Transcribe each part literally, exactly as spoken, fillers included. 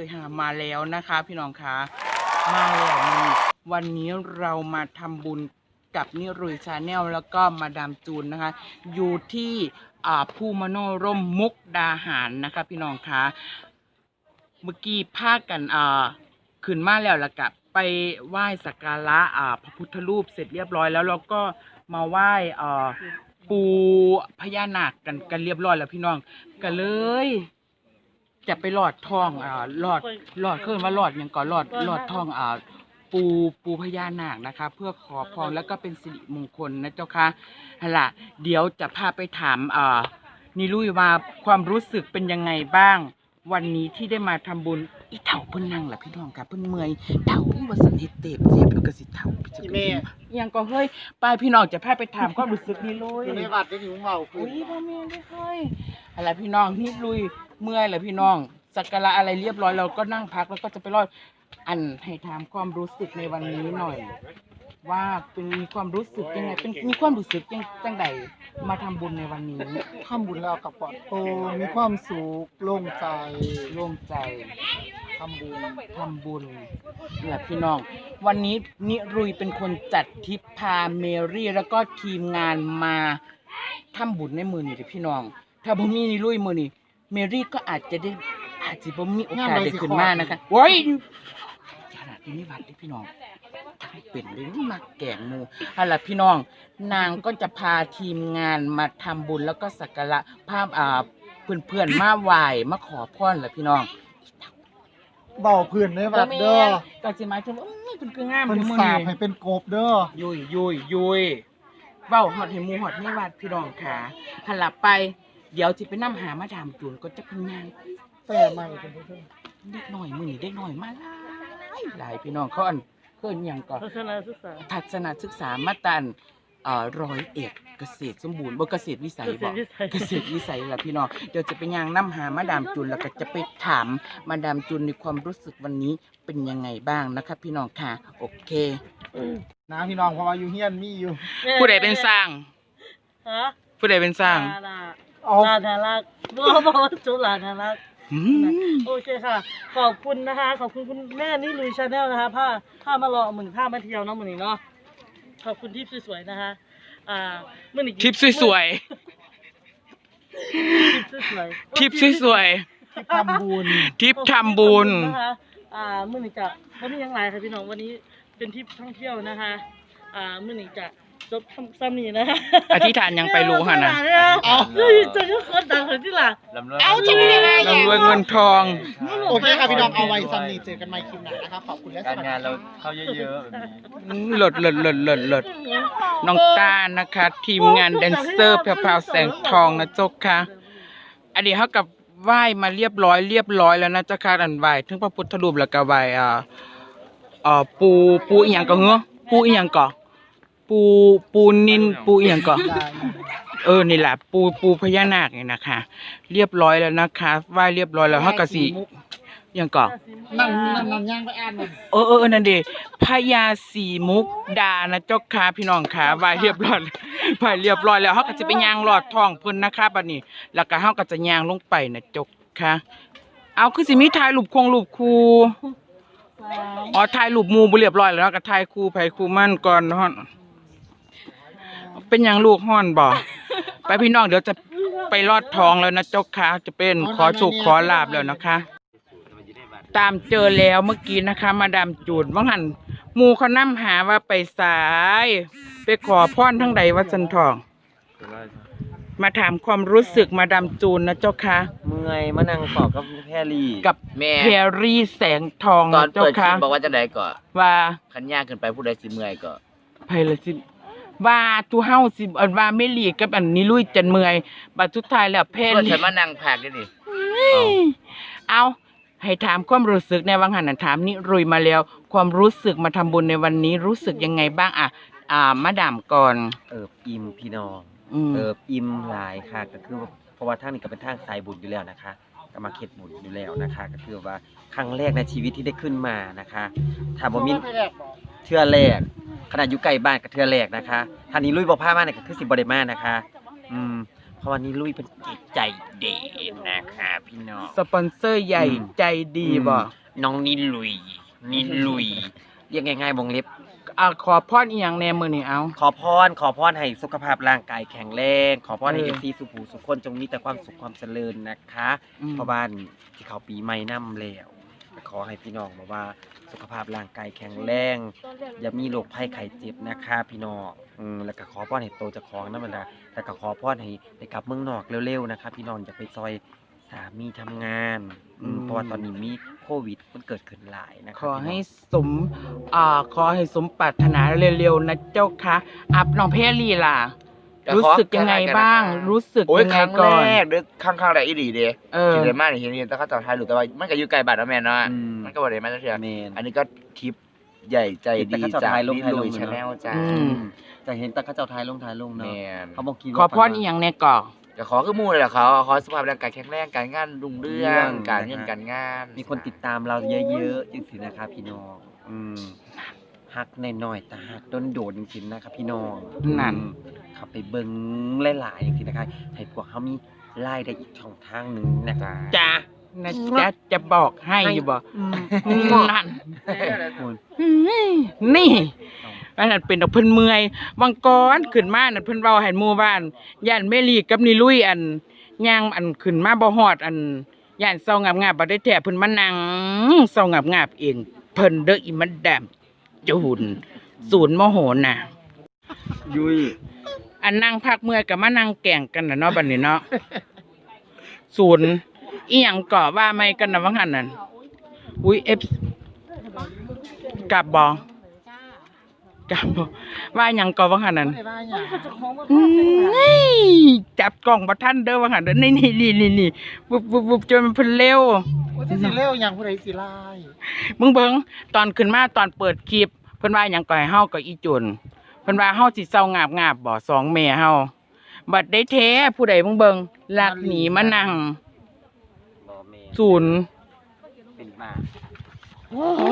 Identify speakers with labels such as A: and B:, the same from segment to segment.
A: หามาแล้วนะคะพี่น้องคะมาแล้วนี่วันนี้เรามาทำบุญกับนิรุยชาแนลแล้วก็มาดามจูนนะคะอยู่ที่อ่าภูมโนร่มมุกดาหารนะคะพี่น้องคะเมื่อกี้พากันอ่าขึ้นมาแล้วละกับไปไหว้สักการะอ่าพระพุทธรูปเสร็จเรียบร้อยแล้วเราก็มาไหว้อ่าปูพญานาคกันกันเรียบร้อยแล้วพี่น้องก็เลยจะไปหลอดทองอ่าหลอดหลอดเคลื่อนว่าหลอดอย่างก่อนหลอดหลอดทองอ่าปูปูพญานาคนะคะเพื่อขอพรแล้วก็เป็นสิริมงคลนะเจ้าค่ะฮะล่ะเดี๋ยวจะพาไปถามอ่านิรุยว่าความรู้สึกเป็นยังไงบ้างวันนี้ที่ได้มาทำบุญอีเถ่าเพิ่นนั่งล่ะพี่น้องค่ะเพิ่นเมื่อยเถ่าว่าสันเฮ็ดเต็บเสียบแล้วก็สิเถ่าไปจังได๋ยังก็เฮ้ยไปพี่น้องจะพาไปถามความรู้สึกนิรุย
B: อยู่ในวัดได้หิวเมาคุ
A: อุ้
B: ณ
A: ยบ่แม่นเด้อเฮ้ยอะไรพี่น้องนิรุยเมื่อยแล้วพี่น้องสักการะอะไรเรียบร้อยเราก็นั่งพักแล้วก็จะไปรอดอันให้ถามความรู้สึกในวันนี้หน่อย ว่าเป็นมีความรู้สึกยังไงเป็นมีความรู้สึกยังจังใดมาทำบุญในวันนี้
B: ทำบุญแล้วกับปลอดโปร่งมีความสุขโล่งใจ
A: โล่งใจ
B: ทำบุญ
A: ทำบุญนี่แหละพี่น้อง วันนี้นิรุยเป็นคนจัดทริปพาเมรี่แล้วก็ทีมงานมาทำบุญในมือนี่เด้อพี่น้อง ถ้าบ่มีนิรุยมือนี่เมรี่ก็อาจจะได้อาจจะบ่มีโอกาสได้ขึ้นมานะคะโอ้ยขนาดนี้วัดเด้อพี่น้องเป็นเรื่องมาแกงหมูเอาล่ะพี่น้องนางก็จะพาทีมงานมาทำบุญแล้วก็สักการะภาพอ่าเพื่อนๆมาไหว้มาขอพรแหละพี่น้อง
B: เบาเพื่อนในวัดเด้อ
A: ก็สิหมายถึงว่าเอ้ยเพิ่นคืองาม
B: เพิ่น
A: อยู่มื้อ
B: สาบ
A: นี้
B: ให้เป็นกบเด้อ
A: ยุยยุยยุยเว้าฮอดให้หมู่ฮอดในวัดพี่น้องค่ะหันหลับไปเดี๋ยวสิไปนำหามาดามจูนก็จะเป็นนาง
B: แต่ใหม่เป็นผู้ชม
A: เด็กน้อยมื้อนี้เด็กน้อยมาหลายหลายพี่น้องเขาอันเพิ่นหยังก็
C: ทัศนศึกษา
A: ทัศนศึกษามาตันเอ่อร้อยเอ็ดเกษตรสมบูรณ์บ่เกษตรวิสัยบ่เกษตรวิสัยล่ะพี่น้องเดี๋ยวจะไปย่างนำหามาดามจุนแล้วก็จะไปถามมาดามจุนในความรู้สึกวันนี้เป็นยังไงบ้างนะครับพี่น้องค่ะโอเค
B: นะพี่น้องเพราะว่าอยู่เฮียนมีอยู่
A: ผู้ใดเป็นสร้าง
C: ฮะ
A: ผู้ใดเป็นสร้าง
C: ลา
B: เอา
C: ลานารักบ่บ่จุลานารัก
A: อืม
C: โอเคค่ะ ขอบคุณนะคะ ขอบคุณคุณแม่นี่ลุยชาแนลนะคะผ้าผ้ามารอหมื่นผ้ามาเที่ยวเนาะมื้อนี้เนาะขอบคุณทิปสวยๆนะคะอ่ามื้อนี้
A: ทิปสวย
C: ทิปสวยๆ
A: ๆทิปสวย
B: ที่ทำบุญ
A: ๆทิปทำบุญ
C: นะคะอ่ามื้อนี้จะบ่มีหยังหลายค่ะพี่น้องวันนี้เป็นทริปท่องเที่ยวนะคะอ่ามื้อนี้จะจบซ้ำนี้นะคะ
A: อธิษฐานยังไปรู้หั่นน่ะ
C: เอาเฮ้ยจะยกคนดังคนที่ล่ะ
B: เอาจะไม่ได้ไง
A: ร่ำรวยเงินทอง
B: โอเคค่ะพี่น้องเอาไว้ซันนี่เจอกันใหม่คลิปหน้านะครับขอบคุณและส
D: การ
B: วัสดี
D: งาน
B: ค
D: เรา
B: รับ
D: เข้าเยอะๆแบบนี้
A: อืมเลิศเลิศเลิศเลิศเลิศน้องต้านะคะ ทีมงานแดนเซอร์แพรวๆแสงทองนะเจ้าค่ะอันนี้เขากับไหว้มาเรียบร้อยเรียบร้อยแล้วนะเจ้าค่ะอันไหว้ถึงพระพุทธรูปแล้วก็ไหว้อ่าอ่าปูปูอีหยังก็เหรอปูอีหยังก็ปูปูนินปูอีหยังก็เออนี่แหละปูปูพญานาคนี่นะคะเรียบร้อยแล้วนะคะไหว้เรียบร้อยแล้วเขาก็สิอิหยังก็
B: นั่งนั่งนั่งย่างไปอ่านมัน
A: เออเออเออนั่นดิพญาสีมุกดานะเจ้าค่ะพี่น้องค่ะไหวเรียบร้อยไหวเรียบร้อยแล้วเฮาก็จะไปย่างลอดท้องเพิ่นนะคะบัดนี้ แล้วก็เฮาก็จะย่างลงไปนะเจ้าค่ะเอาคือสิมีถ่ายรูปคงรูปครูอ๋อถ่ายรูปหมู่บ่เรียบร้อยแล้วเนาะก็ถ่ายคู่ไผคู่มันก่อนเนาะเป็นหยังลูกฮ้อนบ่ไปพี่น้องเดี๋ยวจะไปลอดท้องแล้วนะเจ้าค่ะจะเป็นขอโชคขอลาภแล้วนะคะ ตามเจอแล้วเมื่อกี้นะคะ มาดามจูนว่าหันหมูเขานำหาว่าไปสาย ไปขอพรทั้งใดวัดสันทอง มาถามความรู้สึกมาดามจูนนะเจ้าค่ะ
D: เมื่อยมานั่งปอกกับแพรรี่
A: กับ
E: แม่
A: แพรรี่แสงทอง
E: ตอน
A: นะเจ้า
E: เปิดคลิ
A: ค่ะ
E: ปบอกว่าจะได้ก่อน
A: ว่า
E: ขันยากเกินไปผู้ใดสิเมื่อยก็
A: ไผละสิว่าตูเฮาสิอันว่าไม่หลีกกับอันนี้ลุยจันเมื่อยบัดสุดท้ายแล้วแพร
E: ส่วน
A: รี่
E: ฉันมานั่งพักด้วยนี่
A: เอาให้ถามความรู้สึกในวังหันนะถามนิรุยมาแล้ว ความรู้สึกมาทำบุญในวันนี้รู้สึกยังไงบ้างอ่ะอ่ามาดามก่อน
D: เอิบอิ่มพี่น้อง
A: อืม
D: เอิบอิ่มหลายค่ะก็คือว่าเพราะว่าทางนี้ก็เป็นทางสายบุญอยู่แล้วนะคะก็มาเข็ดบุญอยู่แล้วนะคะ ก็คือว่าครั้งแรกในชีวิตที่ได้ขึ้นมานะคะถ้าบ่มีเทื่อแรกขนาดอยู่ใกล้บ้านก็เทื่อแรกนะคะท่านี้ลุยบ่พามาเนี่ยก็คือสิบ่ได้มานะคะ อืมเพราะวันนี้ลุยเป็นจิตใจเด่นนะคะพี่
E: พี่น้อง
A: สปอนเซอร์ใหญ่
D: อืม
A: ใจดีบ่
E: น้องนิลุยนิลุย
D: เรียกง่ายๆวงเล็บ
A: อ่ะขอพรอีหยังแหน่มื้อนี้เอา
D: ขอพรขอพรให้สุขภาพร่างกายแข็งแรง ขอพรให้
A: เอ
D: เอ
A: อ
D: ฟซีสุภูสุขคนจงมีแต่ความสุขความเจริญนะคะ
A: อืม
D: เพราะบ้านที่เขาปีใหม่นำแล้วขอให้พี่น้องบอกว่าสุขภาพร่างกายแข็งแรง อย่ามีโรคภัยไข้เจ็บนะคะพี่น้องอืมแล้วก็ขอพรให้โตเจะของนั่นแหละแล้วก็ขอพรให้ไปกลับเมืองนอกเร็วๆนะคะพี่น้องอย่าไปซอยสามีทำงานอืมเพราะว่าตอนนี้มีโควิดมันเกิดขึ้นหลายนะคะ
A: ขอให้
D: พี่น้ง
A: สมอ่าขอให้สมปรารถนาเร็วๆนะเจ้าค่ะอับน้องเพรลี่ล่ะ
E: ก็ขอ
A: รู้สึกยังไงบ้าง รู้สึก
E: โอ้ย
A: ยัง
E: ค
A: ไง
E: รั้ง
A: ก่อน
E: แรกเด้อครั้งครั้งแรกอีหลีเด้
A: เออ
E: ที่ได้มานี่เห็นเห็นแต่เขาเจ้าไทยหรือแต่ว่ามันก็อยู่ไกลบ้านเนาะแม่เนาะ
D: อืม
E: มันก็บ่ได้มาจังซี่
D: แม่น
E: อันนี้ก็ทริปใหญ่ใจดี
D: แต่เขาเจ้า
E: จาก
D: ไทยลง
E: นิ
D: ไทยล
E: ลุ
D: ง
E: ย
D: เนอะ
E: ชาแนลจ้า
A: อื
D: อื
A: ม
D: มจะเห็นแต่เข้าเจ้าไทยลงไทยลงเนาะ
E: แม่น
D: เขาบอกคิด
A: ขอพรอีหยังแน่ก่อ
E: ก็ขอคือหมู่เลยล่ะเขาขอสุขภาพร่างกายแข็งแรงการงานรุ่งเรืองการเงินการงาน
D: มีคนติดตามเราเยอะๆจริงๆนะครับพี่น้องอืมฮักน้อยๆแต่ฮักโดนๆจริงๆนะครับพี่น้อง
A: นั่น
D: อืมเขับไปเบิ่งหลายๆจริงๆนะครับให้พวกเขามีรายได้อีกช่องทางหนึงนะคะ
A: จ้านะจ๊ะจะบอกให้อยู่บ่
D: อืม
A: นั่น
D: คุณ
A: นี่อันนั้นเป็นดอกเพิ่นเมื่อยวังกรขึ้นมานั่นเพิ่นเว้าให้หมู่บ้านย่านเมลีกับนิลุยอันย่างอันขึ้นมาบ่ฮอดอันย่านเซางาบๆบ่ได้แท้เพิ่นมานั่งเซางาบๆเองเพิ่นเด้ออีมันดำจูนศูนย์โมโหน่ะ
D: ยุ้ย
A: อันนั่งพักเมื่อยก็มานั่งแก่งกันน่ะเนาะบัดนี้เนาะศูนย์อีหยังก่อว่าไม่กันน่ะว่างั้นนั่นอุ้ย F กลับบ่กลับบ่ว่าหยังก่อว่างั้นนั่น
B: ไม่ได้ว่าหยัง
C: จะของมา
A: อืมจับกล่องบ่ทันเด้อว่างั้นเด้อนี่นี่นี่นี่นี่วุบวุบวุบจนมันเพิ่นเร็ว
B: ว่าจะสิเร็วหยังผู้ใดสิไล่
A: มึงเบิ่งตอนขึ้นมาตอนเปิดคลิปเพิ่นว่าหยังก่อให้เฮากับอีจุนเพิ่นว่าเฮาสิเซางาบงาบบ่สองแม่เฮาบัดได้แท้ผู้ใดมึงเบิ่งลักหนีมานั่ง
D: บอเมน
A: ศูนย์
D: เป็นมา
A: โอ้โห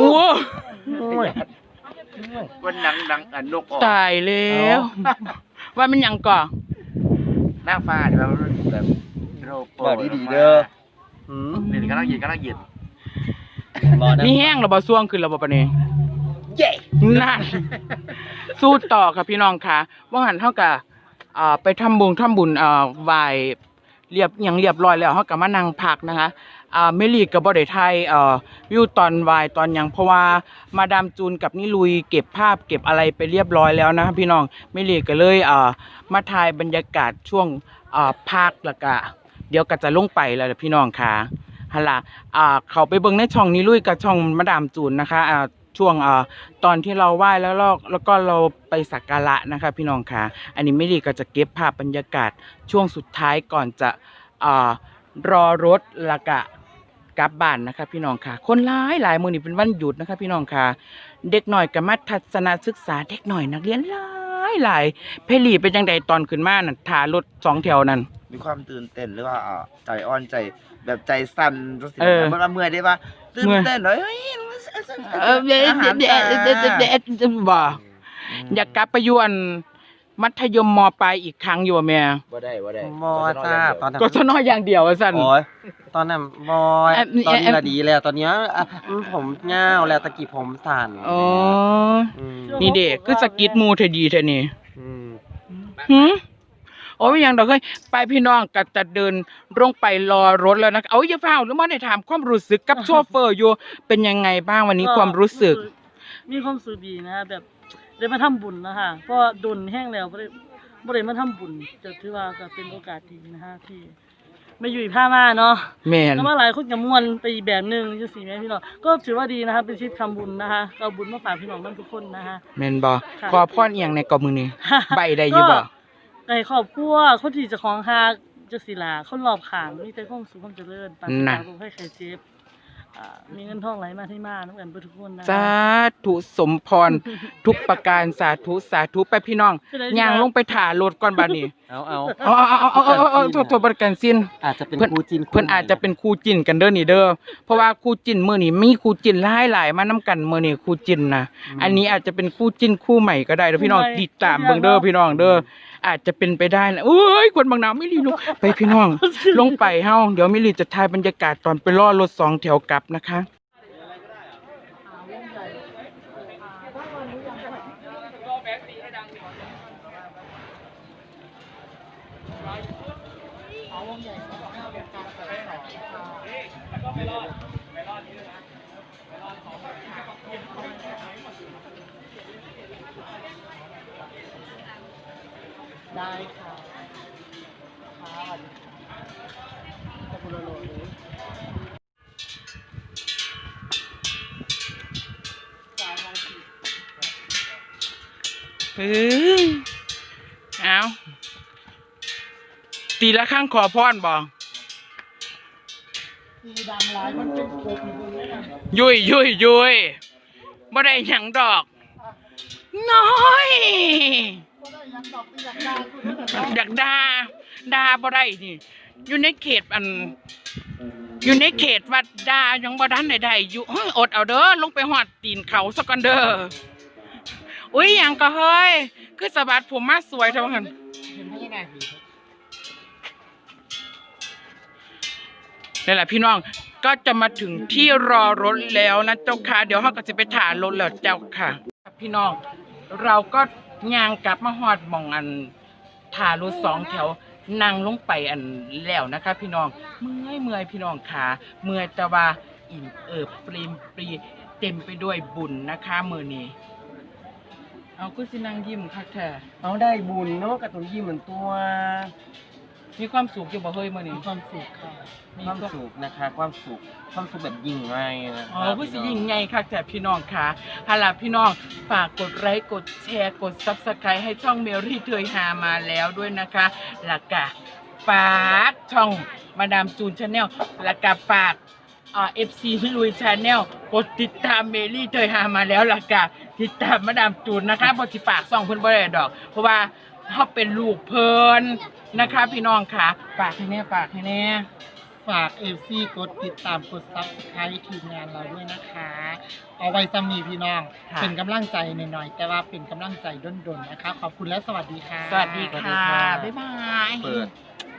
E: วันหนังดังอันนกออก
A: ตายแล้ว ว่ามันหยังก่อ
E: หน้าฟ้าที่ว่ามันแบบโรโป
D: บอกดีๆเด้อหืม
E: นี่กำลังยืนกำลังยืน
D: บอนะ
A: มีแห้งแล้วบ่ซ่วงขึ้นแล้วบ่ปานนี้
E: เย้
A: นั่นสู้ต่อค่ะพี่น้องค่ะว่าหันเฮาก็อ่าไปทำบุญทำบุญอ่าไหว้เรียบหยังเรียบร้อยแล้วเฮาก็มานั่งพักนะคะอ่าเมลีก็บ่ได้ถ่ายเอ่อวิวตอนไหว้ตอนหยังเพราะว่ามาดามจูนกับนิลุยเก็บภาพเก็บอะไรไปเรียบร้อยแล้วนะคะพี่น้องเมลีก็เลยอ่ามาถ่ายบรรยากาศช่วงอ่าพักแล้วก็เดี๋ยวก็จะลงไปแล้วล่ะพี่น้องค่ะหั่นล่ะอ่าเขาไปเบิ่งในช่องนิลุยกับช่องมาดามจูนนะคะอ่าช่วงอ่าตอนที่เราไหว้แล้วเราแล้วก็เราไปสักการะนะคะพี่น้องค่ะอันนี้เมลีก็จะเก็บภาพบรรยากาศช่วงสุดท้ายก่อนจะอ่ารอรถแล้วก็กลับบ้านนะคะพี่น้องค่ะ คนหลายหลายมื้อนี้เป็นวันหยุดนะคะพี่น้องค่ะ เด็กหน่อยก็มาทัศนศึกษาเด็กหน่อยนักเรียนหลายหลายเพลีเป็นจังใดตอนขึ้นมานั่นถ่ารถสองแถวนั่น
E: มีความตื่นเต้นหรือว่าอ่าใจอ่อนใจแบบใจสั่นรู้สึก
A: เออ
E: มันว่าเมื่อยได้ว่าตื่น
A: เมื่อย
E: เต้นเลยเฮ้ย
A: เออเด็ด
E: อาหาร
A: เด็ด
E: จ้า
A: เด็ดเด็ดเด็ดเด็ดบ่อยากกลับไปอยวนมัธยมมปลายอีกครั้งอยู่อะแม่
E: บ่ได้บ่ได้
D: มอจ้าตอนนั้น
A: ก็สนออย่างเดียวว่าซั่น
D: โอ้ยตอนนั้นบอย
A: แอบ
D: ตอนนี้
A: แอบ
D: ละดีแล้วตอนเนี้ยอ่ะอืมผมเงาวแล้วตะกี้ผมสั่น
A: อ๋อ
D: อืม
A: นี่เด็กคือสกิดหมูเทดีเทนี่
D: อืม
A: หืมโอ้ยยังดอกเฮ้ยไปพี่น้องก็จะเดินลงไปรอรถแล้วนะเอาอย่าเฝ้าหรือว่าได้ถามความรู้สึกกับโชเฟอร์อยู่เป็นยังไงบ้างวันนี้ความรู้สึก
C: มีความรู้สึกดีนะฮะแบบได้มาทำบุญนะคะเพราะดนแห้งแล้วบ่ได้บ่ได้มาทำบุญจะถือว่าก็เป็นโอกาสดีนะฮะที่มาอยู่ผ้ามาเนาะ
A: แม่น
C: แล้วมาหลายคนกับมวลไปอีกแบบหนึงจังซี่แม่พี่น้องก็ถือว่าดีนะคะเป็นทริปทำบุญนะคะก็เอาบุญมาฝากพี่น้องนั่นทุกคนนะคะ
A: แม่นบ่
C: ค่ะ
A: ขอพรอีหยังในกอบมือนี้ ใบได้อยู่บ่
C: ในครอบครัวคนที่เจะของหากจังซี่ล่ะคนรอบข้างมีแต่ความสุขความเจริญปราศจากโรคภัยไข้เจ็บอ่ามีเงินทองไหลมาที่มานํกันเบิดทุกคนนะ
A: สาธุสมพร ทุกประการสาธุสาธุไปพี่น้องย่างลงไปถ่ารถก่อนบัดนี้
D: เอาเอา
A: เอาเอาเอาเอาเอาเอาโทษโทษประกันสิ้น
D: อาจจะเป็น
A: เพิ่น
D: คู่จิน
A: เพิ่นอาจจะเป็นคู่จิ้นกันเด้อนี่เด้อเพราะว่าคู่จิ้นมื้อนี้มีคู่จิ้นหลายหลายๆมานํกันมื้อนี้คู่จิ้นนะอันนี้อาจจะเป็นคู่จิ้นคู่ใหม่ก็ได้เด้อพี่น้องติดตามเบิ่งเด้อพี่น้องเด้ออาจจะเป็นไปได้นะโอ้ยคนบางนาไม่รีลงไปพี่น้อง ลงไปเฮาเดี๋ยวมิลีจะถ่ายบรรยากาศตอนไปล่อรถสองแถวกลับนะคะ
B: ได้ค่ะค่ะขอบคุณโลโลเลย
A: เฮ้ยเอาตีละข้างขอพรบอก
B: สีดำลายมันเป็นกบอยู่ตรงนี้นะ
A: ยุยยุยยุยบ่ได้หยังดอก น้อย
B: ก็ได้ยังดอกไปอยากได้คุณนี่แต่
A: อยากด่าด่าบ่ได้นี่อยู่ในเขตอัน อยู่ในเขตวัดด่ายังบ่ทันได้ได้อยู่เฮ้ยอดเอาเด้อลงไปหอดตีนเขาสักก่อนเด้ออุ้ยหยังก็เฮ้ยคือสะบัดผมมาสวยเท่ากัน
B: เห็นไม่ได้ผี
A: นี่แหละพี่น้องก็จะมาถึงที่รอรถแล้วนะเจ้าค่ะเดี๋ยวเราก็จะไปถ่ายรถแล้วเจ้าค่ะพี่น้องเราก็ย่างกลับมาฮอดหม่องอันถ่ายรถสองแถวนั่งลงไปอันแล้วนะคะ พี่น้องเมื่อยเมื่อยพี่น้องขาเมื่อยแต่ว่าอิ่มเอิบปรีมปรีเต็มไปด้วยบุญนะคะมือนี้เอาก็สินั่งยิ้มค่ะแท้
D: เอาได้บุญเนาะกับตัวยิ้มเหมือนตัว
A: มีความสุขอยู่บ่เฮ้ยมื้อนี้
B: มีความสุขค่ะ
D: ความสุขนะคะ ความสุขความสุขแบบยิ่งใหญ่นะ
A: อ๋อผู้สิยิ่งใหญ่ค่ะแต่พี่น้องค่ะฮาล่ะพี่น้องฝากกดไลค์กดแชร์กด ซับสไครบ์ ให้ช่องเมรี่เทยฮามาแล้วด้วยนะคะแล้วก็ฝากช่องมาดามจูนชาแนลแล้วก็ฝากอ่า เอฟ ซี ลุยชาแนลกดติดตามเมรี่เทยฮามาแล้วแล้วก็ติดตามมาดามจูนนะคะบ่สิฝากช่องเพิ่นบ่ได้ดอก เพราะว่าเฮาเป็นลูกเพิ่นนะคะ พี่น้องค่ะฝากให้แน่ฝากให้แน่
B: ฝากเอฟซีกดติดตามกดซับสไครต์ทีมงานเราด้วยนะคะ เอาไว้ซ้ำนี้พี่น้อง
A: ค่ะ
B: เป็นกำลังใจหน่อยๆแต่ว่าเป็นกำลังใจด้นๆนะคะ ขอบคุณและสวัสดีค่ะ
A: สวัสดีค่ะ บ๊ายบาย
D: เปิด